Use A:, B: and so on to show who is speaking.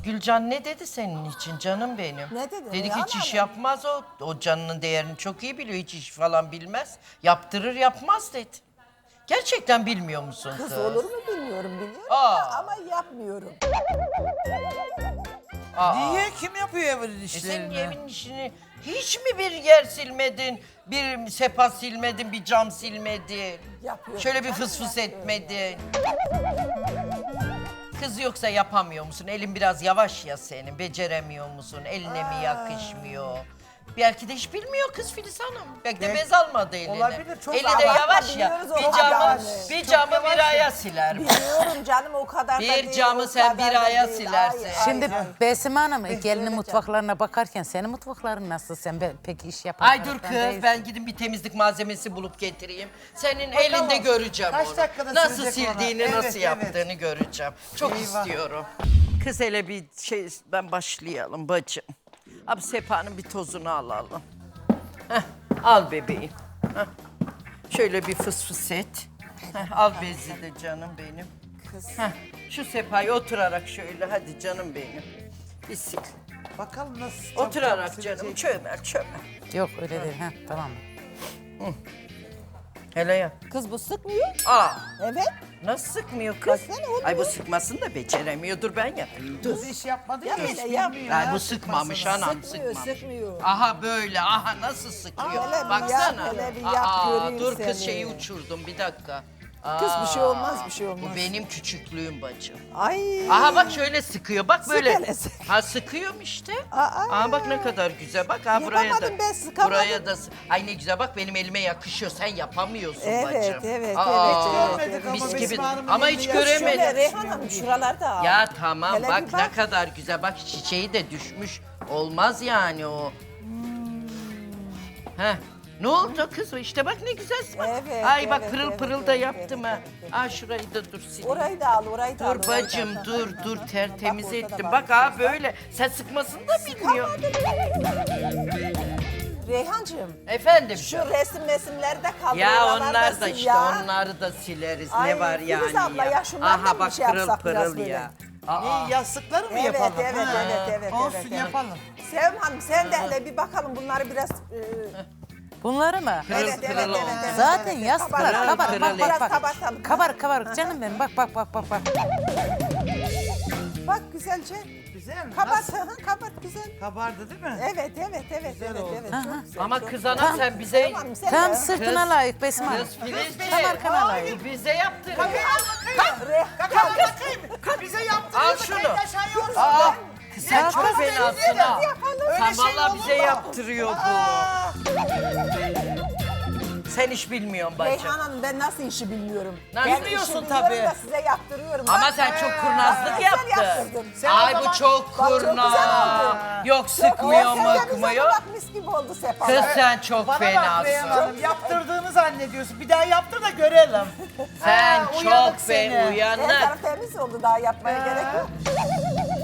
A: Kız Gülcan ne dedi senin için canım benim?
B: Ne dedi?
A: Dedi ki hiç
B: Yalan
A: iş
B: mı?
A: yapmaz o. O canının değerini çok iyi biliyor. Hiç iş falan bilmez. Yaptırır yapmaz dedi. Gerçekten bilmiyor musun kız?
B: Kız olur mu bilmiyorum biliyorum
A: Aa.
B: da ama yapmıyorum.
C: Niye? Kim yapıyor evin
A: Senin
C: işlerini?
A: evin işini hiç mi bir yer silmedin, bir sepa silmedin, bir cam silmedin?
B: Yapıyorum,
A: Şöyle bir
B: canım,
A: fıs fıs
B: yapıyorum
A: etmedin. Kız yoksa yapamıyor musun? Elin biraz yavaş ya senin. Beceremiyor musun? Eline mi yakışmıyor? Belki de hiç bilmiyor kız Filiz Hanım. Belki de bez almadı eline.
C: Olabilir, çok
A: Eli de
B: abartma,
A: yavaş ya.
B: biliyoruz
A: Bir
B: onu
A: camı,
B: yani.
A: bir camı bir aya siler.
B: Biliyorum canım o kadar da
A: Bir
B: değil.
A: camı
B: o
A: sen
B: kadar
A: bir
B: da
A: aya
B: değil.
A: silersin.
B: Hayır,
D: Şimdi
B: hayır.
D: Besim Hanım gelinin
B: söyleyeceğim.
D: mutfaklarına bakarken senin mutfakların nasıl? Sen pek iş yapan
A: Ay dur
D: taraftan
A: kız
D: değilsin.
A: ben gidip bir temizlik malzemesi bulup getireyim. Senin elinde göreceğim
C: Kaç
A: onu.
C: dakikada
A: Nasıl
C: silecek ona?
A: sildiğini,
C: Evet,
A: nasıl
C: evet.
A: yaptığını göreceğim. Çok
C: Eyvah.
A: istiyorum. Kız hele bir şey ben başlayalım bacım. Abi sepanın bir tozunu alalım. Heh, al bebeğim. Heh. Şöyle bir fıs fıs et. Heh, al bezi de canım benim. Heh, şu sepayı oturarak şöyle hadi canım benim. Bir sil.
C: Bakalım nasıl
A: Oturarak canım çömel çömel.
D: Yok öyle değil. Heh, tamam.
A: Hele ya.
B: Kız bu sıkmıyor.
A: Aa.
B: Evet.
A: Nasıl sıkmıyor kız?
B: Baksana, o
A: Ay bu
B: da-
A: sıkmasını da beceremiyor. Dur ben yapayım. Dur.
C: Kız iş yapmadı
B: Ya
C: ki hiç
B: böyle yap.
C: bilmiyor
A: Ay
C: ya
A: bu sıkmamış
C: sıkmasını.
A: anam
B: Sıkmıyor,
A: sıkmamış.
B: sıkmıyor.
A: Aha böyle aha nasıl sıkıyor.
B: Hele bir
A: Baksana.
B: yap, hele bir yap, göreyim
A: dur kız
B: seni.
A: şeyi uçurdum bir dakika.
B: Kız bir şey
A: Aa,
B: olmaz, bir şey olmaz.
A: Bu benim küçüklüğüm bacım.
B: Ay.
A: Aha bak şöyle sıkıyor. Bak böyle.
B: hele, sık.
A: Ha sıkıyorum işte.
B: Aa.
A: Aa bak ne kadar güzel. Bak ha buraya da.
B: Yapamadım ben, sıkamadım.
A: Buraya da. Ay ne güzel bak benim elime yakışıyor. Sen yapamıyorsun
B: Evet,
A: bacım.
B: evet,
A: Aa,
B: evet,
C: Görmedik ama
A: mis gibi.
C: Besme Hanım'ın
A: Ama
C: elini
A: hiç
C: yaşıyor.
A: göremedim.
B: Şöyle Reyhan Hanım şuralarda al.
A: Ya tamam
B: Hele
A: bak,
B: bir
A: ne
B: bak.
A: kadar güzel. Bak çiçeği de düşmüş. Olmaz yani o. Heh. Ne oldu kız? İşte bak ne güzel. Bak.
B: Evet,
A: Ay bak
B: evet,
A: pırıl
B: evet,
A: pırıl da
B: evet,
A: yaptım
B: evet,
A: ha.
B: evet,
A: Aa şurayı da dur sileyim.
B: Orayı da al, orayı da al.
A: Dur
B: orayı da
A: bacım
B: al.
A: dur tertemiz
B: Bak, orada da
A: ettim.
B: var
A: Bak
B: bir
A: ha
B: şey.
A: böyle. Sen sıkmasını da bilmiyor.
B: Reyhancığım,
A: Efendim
B: şu
A: canım.
B: resimlerde kaldı.
A: Ya
B: oraları
A: onlar da
B: sil
A: işte
B: ya.
A: onları da sileriz.
B: Ay,
A: ne var yani
B: Filiz abla ya şunlardan
A: Aha
B: bir
A: bak
B: şey
A: pırıl
B: yapsak biraz
A: pırıl
B: böyle.
A: ya. Aa.
C: Ne, yastıkları mı
B: Evet,
C: yapalım?
B: evet,
C: Ha.
B: evet,
C: Olsun
B: evet.
C: yapalım.
B: Sevim Hanım sen de hele bir bakalım bunları biraz...
D: Bunları mı?
A: Pırıl
B: evet,
A: pırıl
B: evet,
A: olsun.
B: evet, evet.
D: Zaten
B: evet.
D: yastıklar
B: Kabarık,
D: kabarık.
A: pırıl
D: Bak
A: et.
D: bak bak.
B: Kabartalım.
D: Kabarık kabarık canım benim. Bak bak bak bak bak.
B: Bak güzelce.
C: Güzel mi?
B: Kabart,
C: Nasıl?
B: kabart güzel.
C: Kabardı değil mi?
B: Evet, evet, evet, evet,
C: oldu.
B: evet.
D: Aha.
B: Çok güzel,
A: Ama
B: çok
A: kız
B: güzel.
A: ana sen bize...
B: Sevim Hanım sen
D: Tam
B: de.
D: sırtına layık Besim Hanım.
A: Kız Filizciğim.
D: Tam arkana layık.
A: Bu bize yaptırın.
C: Bize yaptı.
A: Al şunu. Aa, kız sen çok fenasın ha. Sen vallahi bize yaptırıyor bu. Sen hiç bilmiyorsun bacım.
B: Reyhan Hanım ben nasıl işi bilmiyorum.
A: Nasıl?
B: Ben
C: Bilmiyorsun
B: işi biliyorum
C: tabii.
B: da size yaptırıyorum.
A: Ama
B: Bak,
A: sen çok kurnazlık
B: güzel
A: yaptın.
B: yaptırdın.
A: Ay bu çok
B: Bak, çok güzel
A: kurnaz.
B: oldu.
A: Yok sıkmıyor
B: Sen de güzel
A: mıkmıyor.
B: bak mis gibi oldu Sefa.
A: Kız sen çok
C: Bana bak Reyhan
A: fenasın.
C: Hanım, yaptırdığını zannediyorsun. Bir daha yaptır da görelim.
A: Sen
C: Ha, uyanık
A: çok
C: seni.
B: Her
A: uyanık.
B: taraf temiz oldu daha yapmaya gerek yok.